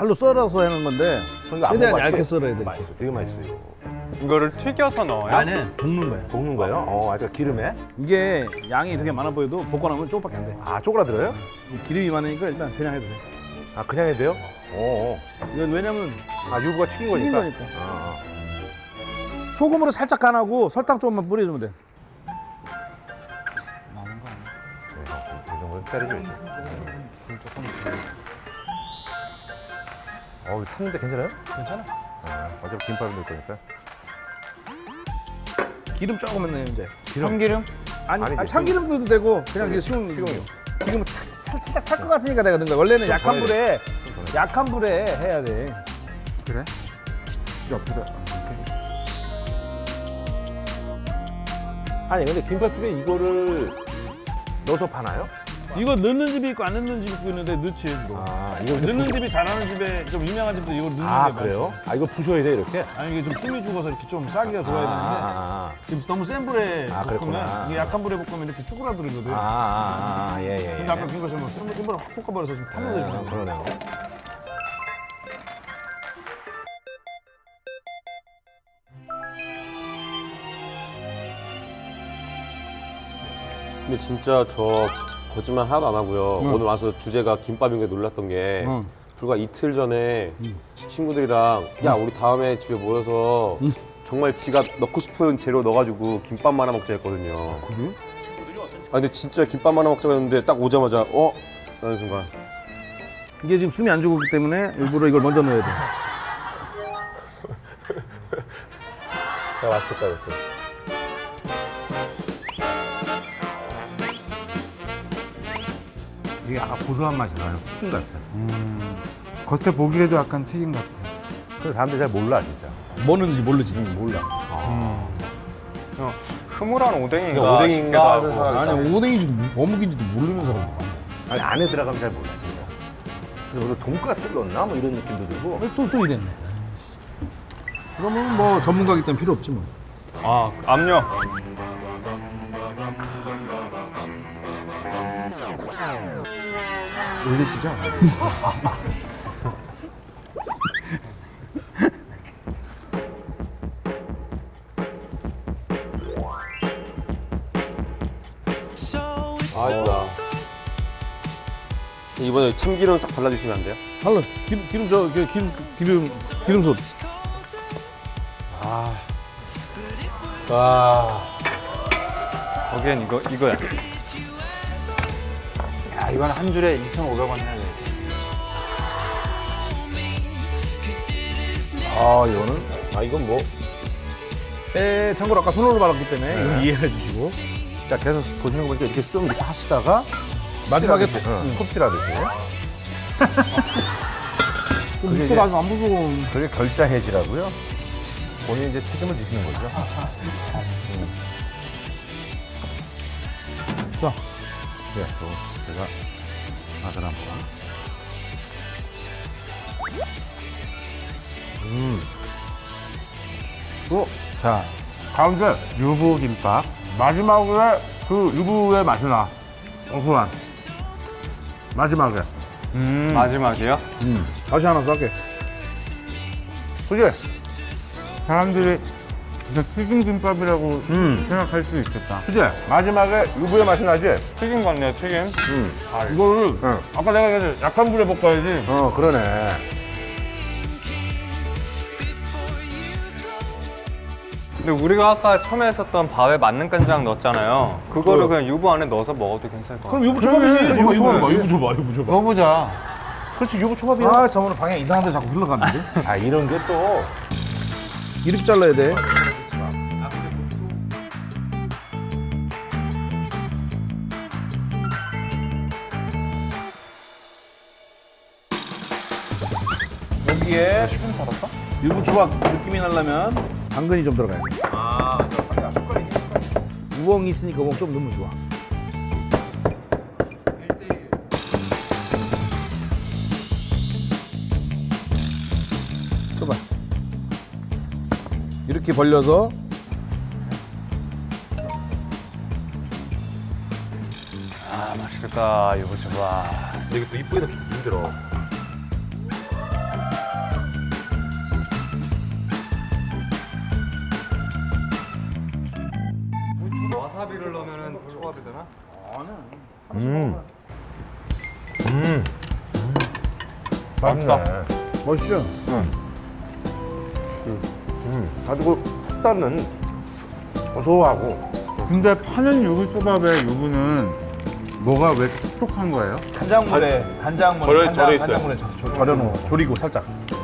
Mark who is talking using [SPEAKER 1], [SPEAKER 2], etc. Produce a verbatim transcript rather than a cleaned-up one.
[SPEAKER 1] 칼로 썰어서 하는 건데
[SPEAKER 2] 그러니까 안
[SPEAKER 1] 최대한
[SPEAKER 2] 먹어봤지?
[SPEAKER 1] 얇게 썰어야 돼.
[SPEAKER 2] 맛있어, 되게 맛있어요.
[SPEAKER 3] 이거를 튀겨서 넣어요?
[SPEAKER 1] 아니, 볶는 거야.
[SPEAKER 2] 볶는 거예요? 어, 아주 기름에?
[SPEAKER 1] 이게 양이 되게 많아 보여도 볶아놓으면 조금밖에 안 돼.
[SPEAKER 2] 아, 쪼그라들어요?
[SPEAKER 1] 기름이 많으니까 일단 그냥 해도 돼.
[SPEAKER 2] 아, 그냥 해도 돼요? 어.
[SPEAKER 1] 이건 왜냐면
[SPEAKER 2] 아, 유부가 튀긴 거니까.
[SPEAKER 1] 튀긴 거니까.
[SPEAKER 2] 아,
[SPEAKER 1] 소금으로 살짝 간하고 설탕 조금만 뿌려주면 돼.
[SPEAKER 2] 아. 이 정도 기다리죠. 어, 탔는데 괜찮아요?
[SPEAKER 1] 괜찮아?
[SPEAKER 2] 아, 어차피 김밥을 넣을 거니까.
[SPEAKER 1] 기름 조금만 넣으면 돼.
[SPEAKER 3] 참기름?
[SPEAKER 1] 아니,
[SPEAKER 2] 아니지,
[SPEAKER 1] 아니 참기름 넣어도 되고 그냥 이게 식용 식용유. 지금은 타- 타- 살짝 탈 것 같으니까 내가 넣은 거야. 원래는
[SPEAKER 2] 좀
[SPEAKER 1] 약한
[SPEAKER 2] 더
[SPEAKER 1] 불에
[SPEAKER 2] 좀 더
[SPEAKER 1] 약한 불에 해야 돼.
[SPEAKER 4] 그래? 옆에다
[SPEAKER 2] 아니, 근데 김밥집에 이거를 넣어서 파나요?
[SPEAKER 1] 이거 넣는 집이 있고 안 넣는 집이 있고 있는데 넣지. 이거.
[SPEAKER 2] 아, 이걸
[SPEAKER 1] 넣는 집이 잘하는 집에 좀 유명한 집도 이거 넣는
[SPEAKER 2] 아,
[SPEAKER 1] 게
[SPEAKER 2] 그래요? 아, 이거 부셔야 돼, 이렇게?
[SPEAKER 1] 많아. 아니 이게 좀 숨이 죽어서 이렇게 좀 싸기가 들어야
[SPEAKER 2] 아,
[SPEAKER 1] 되는데
[SPEAKER 2] 아,
[SPEAKER 1] 지금 너무 센 불에
[SPEAKER 2] 아, 그랬구나.
[SPEAKER 1] 볶으면 이게 약한 불에 볶으면 이렇게 쭈그라들거든.
[SPEAKER 2] 아, 아, 아, 아, 예, 예.
[SPEAKER 1] 근데 아까 긴 것처럼 센 불- 센 불에 확 볶아버려서 지금 타면서
[SPEAKER 2] 아,
[SPEAKER 1] 이렇게.
[SPEAKER 2] 그러네요.
[SPEAKER 5] 근데 진짜 저 거짓말 하나도 안 하고요.
[SPEAKER 1] 응.
[SPEAKER 5] 오늘 와서 주제가 김밥인 게 놀랐던 게
[SPEAKER 1] 응.
[SPEAKER 5] 불과 이틀 전에 친구들이랑 야 우리 다음에 집에 모여서 정말 지가 넣고 싶은 재료 넣어가지고 김밥 말아 먹자 했거든요.
[SPEAKER 1] 그래?
[SPEAKER 5] 아 근데 진짜 김밥 말아 먹자고 했는데 딱 오자마자 어? 라는 순간
[SPEAKER 1] 이게 지금 숨이 안 죽었기 때문에 일부러 이걸 먼저 넣어야 돼.
[SPEAKER 2] 야, 맛있겠다, 이것도.
[SPEAKER 4] 이게 약간 고소한 맛이 나요. 튀김 같아. 겉에 보기에도 약간 튀김 같아.
[SPEAKER 2] 근데 사람들이 잘 몰라, 진짜.
[SPEAKER 1] 뭐 넣는지 모르지.
[SPEAKER 2] 몰라.
[SPEAKER 3] 어, 흐물한 오뎅인가
[SPEAKER 2] 이게 오뎅인가
[SPEAKER 3] 싶기도
[SPEAKER 2] 하면서
[SPEAKER 3] 하고.
[SPEAKER 1] 아니 오뎅인지도 어묵인지도 모르는 사람도 많아.
[SPEAKER 2] 아니, 안에 들어가면 잘 몰라, 진짜. 그래서 오늘 돈가스를 넣었나? 뭐 이런 느낌도 들고.
[SPEAKER 1] 또, 또 이랬네. 그러면 뭐 전문가기 때문에 필요 없지 뭐.
[SPEAKER 3] 아, 압력.
[SPEAKER 4] 올리시죠?
[SPEAKER 5] 아니다. 이번에 참기름 싹 발라주시면 안 돼요?
[SPEAKER 1] 할로 기름 기름 저 그, 기름 기름 기름솥.
[SPEAKER 5] 와.
[SPEAKER 3] 거기엔 이거, 이거야.
[SPEAKER 4] 야, 이건 한 줄에 이천오백 원 해야 돼.
[SPEAKER 2] 아, 이거는? 아, 이건 뭐.
[SPEAKER 1] 에 참고로 아까 손으로 발랐기 때문에 이건 이해해 주시고
[SPEAKER 2] 자, 계속 보시는 거 보니까 이렇게 좀 이렇게 하시다가.
[SPEAKER 1] 마지막에
[SPEAKER 2] 톱질하듯이. 응, 톱질하듯이.
[SPEAKER 1] 좀
[SPEAKER 2] 그게
[SPEAKER 1] 믿고
[SPEAKER 2] 이제-
[SPEAKER 1] 가서 안 무서워.
[SPEAKER 2] 그게 결자 해지라고요. 본인이 이제 책임을 지시는 거죠.
[SPEAKER 1] 자,
[SPEAKER 2] 네, 또 제가 맛을 한번. 음.
[SPEAKER 4] 또, 자, 가운데 유부김밥. 마지막에 그 유부의 맛이 나. 고소한. 마지막에.
[SPEAKER 3] 음. 마지막이요?
[SPEAKER 1] 다시 하나 쏠게.
[SPEAKER 4] 그지? 사람들이 그냥 튀김김밥이라고 생각할 수 있겠다. 그지? 마지막에 유부의 맛이 나지?
[SPEAKER 3] 튀김 같네요, 튀김.
[SPEAKER 4] 이거를
[SPEAKER 2] 응.
[SPEAKER 4] 아까 내가 얘기했지 약한 불에 볶아야지.
[SPEAKER 2] 어, 그러네.
[SPEAKER 3] 근데 우리가 아까 처음에 했었던 밥에 맞는 간장 넣었잖아요. 그거를
[SPEAKER 1] 어.
[SPEAKER 3] 그냥 유부 안에 넣어서 먹어도 괜찮을 것 같아요.
[SPEAKER 1] 그럼 유부 초밥이지.
[SPEAKER 4] 유부 초밥 봐,
[SPEAKER 1] 유부 초밥, 유부 초밥.
[SPEAKER 4] 넣어보자.
[SPEAKER 1] 그렇지 유부 초밥이야. 아, 저 오늘 방향 이상한 데 자꾸 흘러갔는데.
[SPEAKER 2] 아, 이런 게 또.
[SPEAKER 1] 이렇게 잘라야 돼. 여기에 유부 초밥 느낌이 나려면 당근이 좀 들어가야 돼. 아, 우엉이 있으니까 우엉 좀 넣으면 좋아. 줘봐. 이렇게 벌려서
[SPEAKER 3] 아, 맛있겠다, 유부 초밥.
[SPEAKER 2] 근데 이게 또 이쁘게 넣기 힘들어.
[SPEAKER 3] 초밥이 되나?
[SPEAKER 2] 음. 음. 맛있네.
[SPEAKER 1] 멋있죠?
[SPEAKER 2] 음. 가지고 색다른 고소하고.
[SPEAKER 4] 근데 파는 유부초밥의 유부는 뭐가 왜 촉촉한 거예요?
[SPEAKER 1] 간장물에 간장물에
[SPEAKER 5] 절여-
[SPEAKER 1] 간장,
[SPEAKER 5] 절여 있어요.
[SPEAKER 1] 간장물에 절- 절- 절여놓은 거. 졸이고 살짝.